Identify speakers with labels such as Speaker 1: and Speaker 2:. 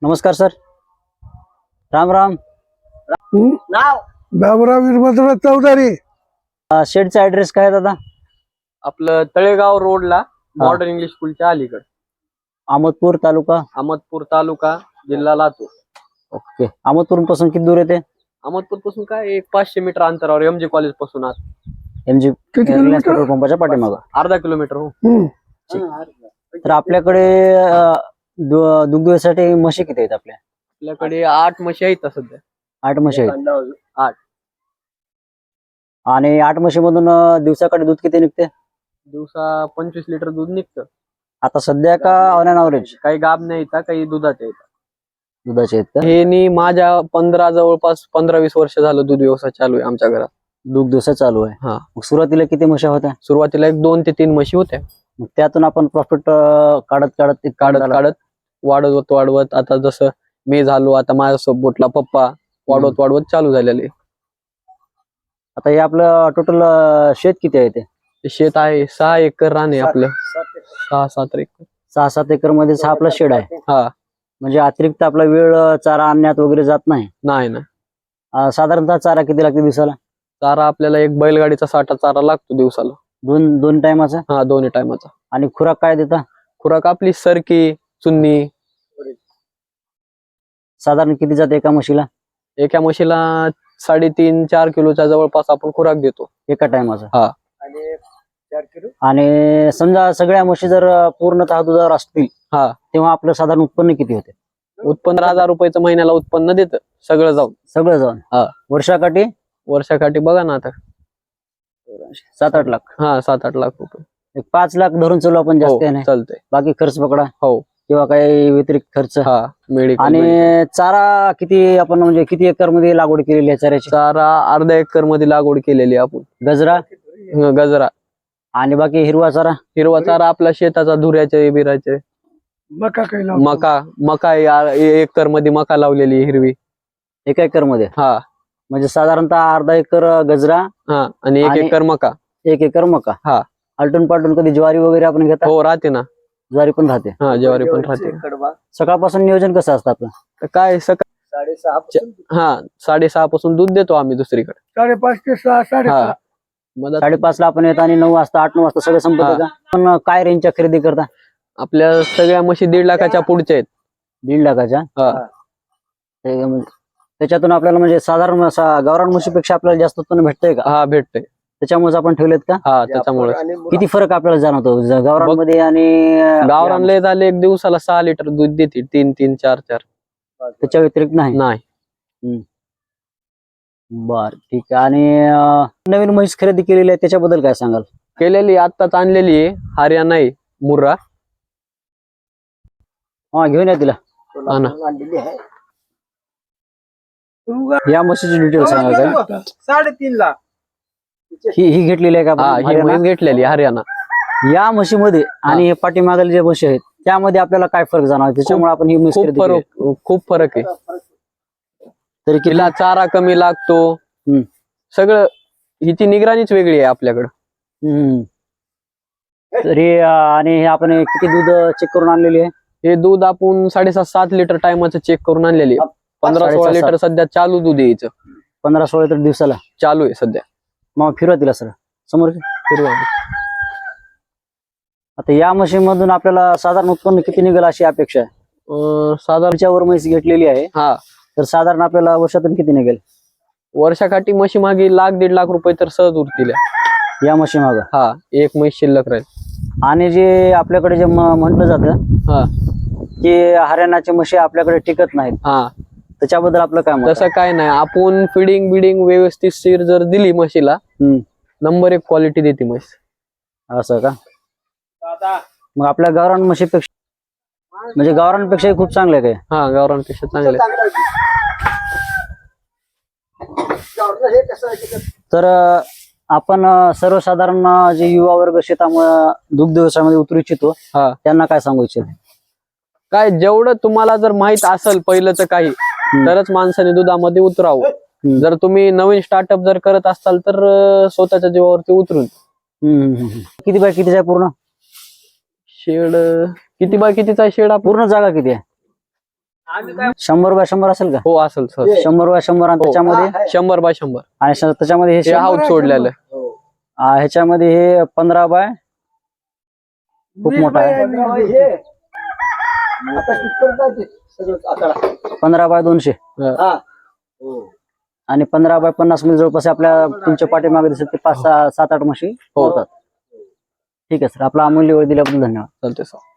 Speaker 1: नमस्कार सर. राम राम.
Speaker 2: नाव
Speaker 3: बाबुराव वीरभद्र चौधरी.
Speaker 1: शेडचा ऍड्रेस काय आहे दादा?
Speaker 2: आपलं तळेगाव रोडला मॉडर्न इंग्लिश स्कूलच्या अलीकड,
Speaker 1: अहमदपूर तालुका.
Speaker 2: अहमदपूर तालुका, जिल्हा लातूर.
Speaker 1: ओके. अहमदपूर पासून किती दूर येते?
Speaker 2: अहमदपूर पासून काय एक 500 मीटर अंतरावर एमजी कॉलेज पासून आत.
Speaker 1: एमजी
Speaker 3: किती
Speaker 1: रिलायन्स
Speaker 3: किलोमीटर?
Speaker 1: पेट्रोल पंपाच्या पाठीमागं.
Speaker 2: अर्धा किलोमीटर हो.
Speaker 1: तर आपल्याकडे दुग्ध व्यवसायासाठी म्हशी किती आहेत आपल्या?
Speaker 2: आपल्याकडे 8 म्हशी आहेत सध्या.
Speaker 1: 8 म्हशी आहेत.
Speaker 2: 8
Speaker 1: आणि 8 म्हशीमधून दिवसाकडे दूध किती निघते?
Speaker 2: दिवसा 25 लिटर दूध निघतं.
Speaker 1: आता सध्या का ऑन अन ॲव्हरेज?
Speaker 2: काही गाब नाही येतात, काही दुधाचे येतात.
Speaker 1: दुधाचे आहेत का?
Speaker 2: हे नी माझ्या जवळपास 15-20 वर्ष झालं दूध व्यवसाय चालू आहे आमच्या घरात.
Speaker 1: दूध दिवसा चालू आहे.
Speaker 2: हा.
Speaker 1: मग सुरुवातीला किती म्हशी होत्या?
Speaker 2: सुरुवातीला 2 ते 3 म्हशी होत्या.
Speaker 1: मग त्यातून आपण प्रॉफिट काढत
Speaker 2: काढत वाढवत आता जसं मी झालो, आता माझ्यासोबतला पप्पा वाढवत चालू झालेले.
Speaker 1: आता हे आपलं टोटल शेत किती आहे? ते
Speaker 2: शेत आहे 6 एकर रान आहे आपलं. 6-7 एकर.
Speaker 1: 6-7 एकर मध्येच हा आपला शेड आहे.
Speaker 2: हा.
Speaker 1: म्हणजे अतिरिक्त आपला वेळ चारा आणण्यात वगैरे जात नाही.
Speaker 2: नाही ना.
Speaker 1: साधारणतः चारा किती लागते दिवसाला?
Speaker 2: चारा आपल्याला एक बैलगाडीचा साठा चारा लागतो दिवसाला.
Speaker 1: दोन टायमाचा?
Speaker 2: हा, 2 टायमाचा.
Speaker 1: आणि खुराक काय देता?
Speaker 2: खुराक आपली सरकी, चुन्नी.
Speaker 1: साधारण किती जाते एका म्हशीला?
Speaker 2: एका म्हशीला 3.5-4 किलोच्या जवळपास आपण खुराक देतो
Speaker 1: एका टायमाचा.
Speaker 2: हा.
Speaker 1: आणि समजा सगळ्या म्हशी जर पूर्णतः दुधावर असतील,
Speaker 2: हा,
Speaker 1: तेव्हा आपलं साधारण उत्पन्न किती होते?
Speaker 2: उत्पन्न 1000 रुपयाचं महिन्याला उत्पन्न देतं सगळं जाऊन.
Speaker 1: हा. वर्षाकाठी?
Speaker 2: वर्षाकाठी बघा ना आता
Speaker 1: 7-8 लाख.
Speaker 2: हा, 7-8 लाख रुपये.
Speaker 1: एक 5 लाख धरून चालू आपण, जास्त नाही.
Speaker 2: चालतंय.
Speaker 1: बाकी खर्च पकडा.
Speaker 2: हो.
Speaker 1: किंवा काही व्यतिरिक्त खर्च.
Speaker 2: हा, मेडिकल.
Speaker 1: आणि चारा किती आपण, म्हणजे किती एकर मध्ये लागवड केलेली आहे चाऱ्याची?
Speaker 2: चारा अर्धा एकर मध्ये लागवड केलेली आहे आपण. गजरा
Speaker 1: आणि बाकी हिरवा चारा?
Speaker 2: हिरवा चारा आपला शेताचा, धुऱ्याचे बिराचे.
Speaker 3: मका काही लावतो.
Speaker 2: मका 1 एकर मध्ये मका लावलेली हिरवी.
Speaker 1: 1 एकर मध्ये?
Speaker 2: हा.
Speaker 1: म्हणजे साधारणतः अर्धा एकर गजरा.
Speaker 2: हा, आणि 1 एकर मका.
Speaker 1: 1 एकर मका.
Speaker 2: हा.
Speaker 1: आलटून पालटून कधी ज्वारी वगैरे आपण घेता?
Speaker 2: हो, राहते ना.
Speaker 1: ज्वारी पण राहते.
Speaker 2: हा, ज्वारी पण राहते.
Speaker 1: सकाळपासून नियोजन कसं असतं आपलं?
Speaker 2: तर काय सकाळ 6:30 पासून दूध देतो आम्ही दुसरीकडे.
Speaker 3: 5:30 ते 6, 6:30.
Speaker 1: 5:30 ला आपण येतो आणि 9 वाजता 8-9 वाजता सगळं संपतं का? पण काय रेंजच्या खरेदी करता?
Speaker 2: आपल्या सगळ्या म्हशी 1.5 लाखाच्या पुढच्या आहेत.
Speaker 1: 1.5 लाखाच्या?
Speaker 2: हा.
Speaker 1: त्याच्यातून आपल्याला म्हणजे साधारण गावरान म्हशीपेक्षा आपल्याला जास्त उत्पन्न भेटतंय का?
Speaker 2: हा, भेटतंय.
Speaker 1: त्याच्यामुळे आपण ठेवलेत का?
Speaker 2: हा, त्याच्यामुळे.
Speaker 1: किती फरक आपल्याला जाणवतो गावरान मध्ये आणि
Speaker 2: गावरान लय झाले, एक दिवसाला 6 लिटर दूध देते. 3-3, 4-4.
Speaker 1: त्याच्या व्यतिरिक्त नाही? बर, ठीक आहे. आणि नवीन म्हैस खरेदी केलेली आहे, त्याच्याबद्दल काय सांगाल?
Speaker 2: केलेली आत्ताच आणलेली आहे. हरियाणा आहे, मुर्रा.
Speaker 1: हा, घेऊन या तिला.
Speaker 2: हा ना.
Speaker 1: या म्हशीची डिटेल सांगा काय?
Speaker 3: 3.5 लाख.
Speaker 1: ही घेतलेली आहे का
Speaker 2: हा,
Speaker 1: आपण?
Speaker 2: ही म्हैस घेतलेली हरियाणा.
Speaker 1: या म्हशीमध्ये आणि पाठीमागले जे म्हशी आहेत त्यामध्ये आपल्याला काय फरक जाणवतो, त्याच्यामुळे आपण ही म्हैस खरेदी केली?
Speaker 2: खूप फरक आहे.
Speaker 1: तरी
Speaker 2: तिला चारा कमी लागतो. सगळं हिची निगराणीच वेगळी आहे आपल्याकडं.
Speaker 1: तरी आणि हे आपण किती दूध चेक करून आणलेली आहे?
Speaker 2: हे दूध आपण 6.5-7 लिटर टायमाचं चेक करून आणलेली. 15-16 लिटर सध्या चालू दूध यायचं.
Speaker 1: 15-16 लिटर दिवसाला
Speaker 2: चालू आहे सध्या.
Speaker 1: मग फिरवा तिला सर समोर.
Speaker 2: फिरवा.
Speaker 1: आता या म्हशीमधून आपल्याला साधारण उत्पन्न किती निघेल अशी अपेक्षा आहे?
Speaker 2: साधारण
Speaker 1: वर म्हैस घेतलेली आहे,
Speaker 2: हा,
Speaker 1: तर साधारण आपल्याला वर्षातून किती निघेल?
Speaker 2: वर्षाकाठी म्हशी मागे 1-1.5 लाख रुपये तर सहज उरतील
Speaker 1: या म्हशी माग.
Speaker 2: हा, एक म्हैस शिल्लक राहील.
Speaker 1: आणि जे आपल्याकडे जे म्हटलं जातं
Speaker 2: हा,
Speaker 1: की हरियाणाचे म्हशी आपल्याकडे टिकत नाहीत,
Speaker 2: हा,
Speaker 1: त्याच्याबद्दल आपलं काय मत आहे?
Speaker 2: तसं काय नाही. आपण फिडिंग व्यवस्थित जर दिली म्हशीला, नंबर 1 क्वालिटी देते म्हैस.
Speaker 1: असं का? मग आपल्या गावरान म्हशीपेक्षा, म्हणजे गावरांपेक्षाही खूप चांगले आहे काय?
Speaker 2: हा, गावरांपेक्षा चांगले.
Speaker 1: तर आपण सर्वसाधारण जे युवा वर्ग शेतामुळे दुग्ध व्यवसायामध्ये उतरू इच्छितो, त्यांना काय सांगू इच्छित?
Speaker 2: काय, जेवढं तुम्हाला जर माहित असेल पहिलंच काही, तरच माणसाने दुधामध्ये उतरावं. जर तुम्ही नवीन स्टार्टअप जर करत असाल तर स्वतःच्या जीवावरती उतरून.
Speaker 1: किती बाय कितीचा आहे पूर्ण
Speaker 2: शेड? किती बाय कितीचा शेड?
Speaker 1: पूर्ण जागा किती आहे? 100 बाय 100 असेल का?
Speaker 2: हो असेल सर.
Speaker 1: 100 बाय 100 आणि त्याच्यामध्ये
Speaker 2: 100 बाय 100
Speaker 1: आणि त्याच्यामध्ये
Speaker 2: हे
Speaker 1: हे
Speaker 2: हाऊस सोडलेलं.
Speaker 1: ह्याच्यामध्ये हे 15 बाय खूप मोठा आहे. 15 बाय 200 आणि 15 बाय 50 मध्ये जवळपास आपल्या तुमच्या पाठीमागे दिसत ते 5-7-8 म्हशी होतात. ठीक आहे सर, आपला अमूल्य वेळ दिल्याबद्दल धन्यवाद.
Speaker 2: चालते सर.